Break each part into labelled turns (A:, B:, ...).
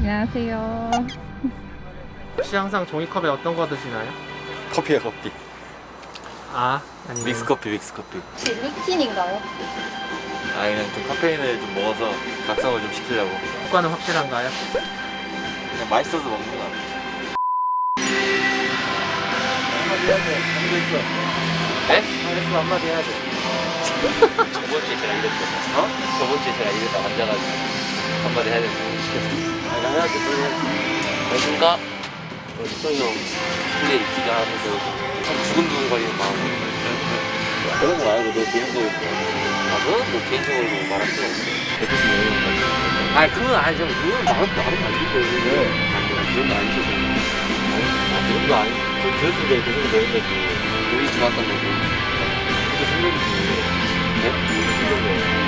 A: 안녕하세요.
B: 혹시 항상 종이컵에 어떤 거 드시나요?
C: 커피야 커피.
B: 아, 아니면
C: 믹스커피 믹스커피.
A: 혹시 루틴인가요?
C: 아 그냥 좀 카페인을 좀 먹어서 각성을 좀 시키려고.
B: 효과는 확실한가요?
C: 그냥 맛있어서 먹는 거 같아. 한마디 해야 돼. 한마디 했어. 네? 했어 한마디 해야 돼. 저번 주에 제가 이랬어. 어? 저번 주에 제가 이랬다 앉아가지고 한마디 해야 된다고 시켰어. 아니 나 해야지 빨리 해야지. 안녕하십니까? 식동이 형 플레이 기자하면서 참 두근두근거리는 마음으로 그런 거 말고 너 개인적으로 아 그건 뭐 개인적으로 말할 필요 없어. 대표님 왜 아니 그건 아니죠. 그건 말은 아니고 그런 거 아니죠. 그런 거 아니 들었을 때 그 정도 되는 거지. 우리 좋았던 거고 그게 생각이지. 네? 무슨 생각이에요?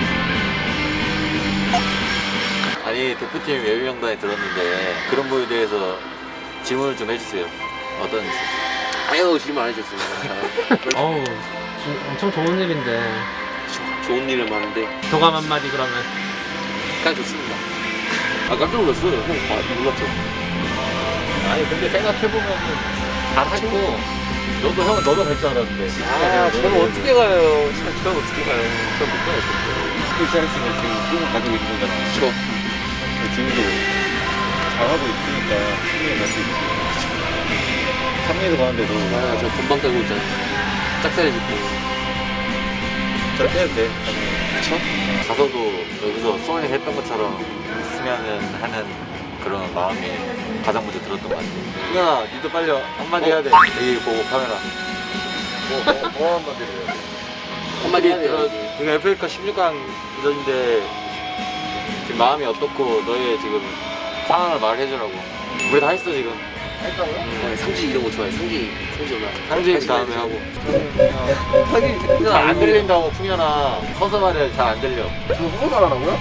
C: 아니 대표팀 예비명단에 들었는데 그런 거에 대해서 질문을 좀 해주세요. 어떤지. 아유 질문 안 해줬습니다.
B: 어우, 엄청 좋은 일인데.
C: 좋은 일은 많은데
B: 소감 한마디 그러면.
C: 그냥 좋습니다. 아 깜짝 놀랐어요. 형 몰랐죠. 아니 근데 생각해보면 잘하고 너도 형은 너도 갈 줄 알았는데. 아 저는 어떻게 가요. 저는 어떻게 가요. 저는 못 가요. 크리스티안스는 지금 꿈을 가지고 있는 거잖아. 그렇죠. 지금도 잘하고 있으니까 승리에 갈 수 있지. 3위에도 가는데도 아, 저 금방 깔고 있잖아. 짝다리 짚고 저렇게 해도 돼. 그쵸? 가서도 여기서 소원이 했던 것처럼 있으면은 하는 그런 마음이 가장 먼저 들었던 것 같아. 승현아, 니도 빨리 한마디 해야 돼. 여기 보고 카메라. 뭐 한마디 해야 돼? 한마디 들어. 지금 FA컵 16강 이전인데 지금 마음이 어떻고 너의 지금 상황을 말해주라고. 우리 다 했어 지금. 했다고요? 상지 이런 거 좋아해. 상지 올라. 상지 다음에 하고. 상지 잘안 들린다고 풍현아. 서서 말해 잘 안 들려.
D: 지금 후보 잘하라고요?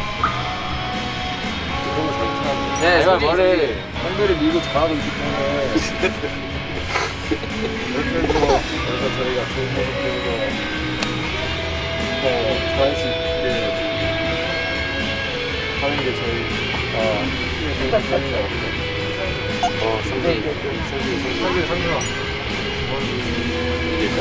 C: 그런 거 잘못하네.
D: 네,
C: 내가 말해.
D: 상대를 밀고 잘하고 있기 때문에 이렇게 해서 저희가 좋은 모습 보이고 더 잘할 수 있게 하는 게 저희 팀의 좋은 기회인 것 같아요.
C: 상지.
D: 상대가
C: 이제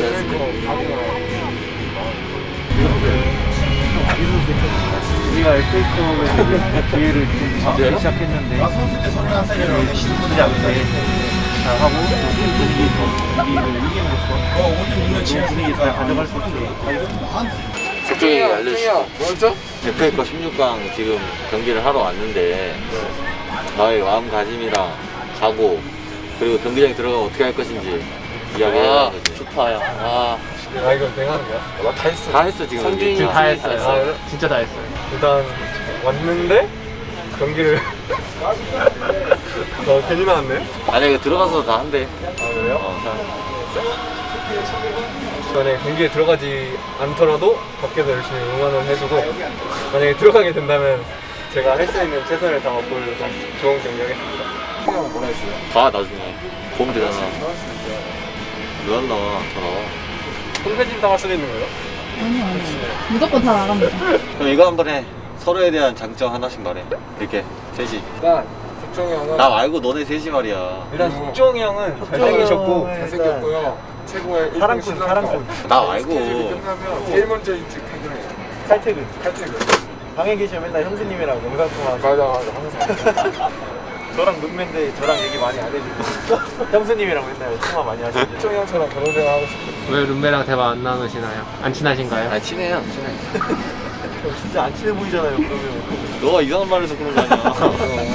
D: 우리가 FA컵의 기회를 좀 잡기 시작했는데 저희 신분지 않게 잘하고 경기를 이김으로써 좋은 분위기 잘 가져갈 수 있게 하겠습니다.
C: 속정이 알려주시죠. 뭐였죠? FA컵 16강 지금 경기를 하러 왔는데 나의 마음가짐이랑 각오 그리고 경기장에 들어가면 어떻게 할 것인지 이야기해야 되지. 좋다 야.
D: 아 이거 내가 하는 거야? 나 다 했어.
C: 다 했어 지금.
B: 지금
C: 여기.
B: 다 했어요.
D: 아, 그래?
B: 진짜 다 했어요.
D: 일단 왔는데 경기를 괜히 나왔네?
C: 아니 이거 들어가서 다 한대.
D: 아 그래요?
C: 다.
D: 만약에 경기에 들어가지 않더라도 밖에서 열심히 응원을 해주고 만약에 들어가게 된다면 제가 할 수 있는 최선을 다해 보여줘서 좋은 경기 하겠습니다. 형은 뭐라 했어요?
C: 봐 나중에 보면 되잖아. 왜 안 나와? 다 나와.
D: 손편집 당할 수도 있는 거예요?
A: 아니요. 무조건 다 나갑니다.
C: 그럼 이거 한번 해. 서로에 대한 장점 하나씩 말해. 이렇게 셋이.
D: 일단 석정이 형은
C: 나 말고 너네 셋이 말이야.
D: 일단 석정이 형은 잘생기셨고
E: 잘생겼고요. 최고의
D: 사랑꾼.
C: 나 말고.
E: 끝나면 제일 먼저 일찍 퇴근해요.
D: 칼퇴근.
E: 칼퇴근.
D: 방에 계시면 맨날 형수님이랑 영상 통화하고
E: 맞아. 항상.
D: 저랑 룸메인데 저랑 얘기 많이 안 해주고 형수님이랑 맨날 통화 많이 하시고
E: 석정이 형처럼 결혼 생활 하고 싶어요.
B: 왜 룸메랑 대화 안 나누시나요? 안 친하신가요?
C: 아 친해요 친해.
D: 진짜 안 친해 보이잖아요 그러면
C: 너가 이상한 말을 해서 그런 거 아니야.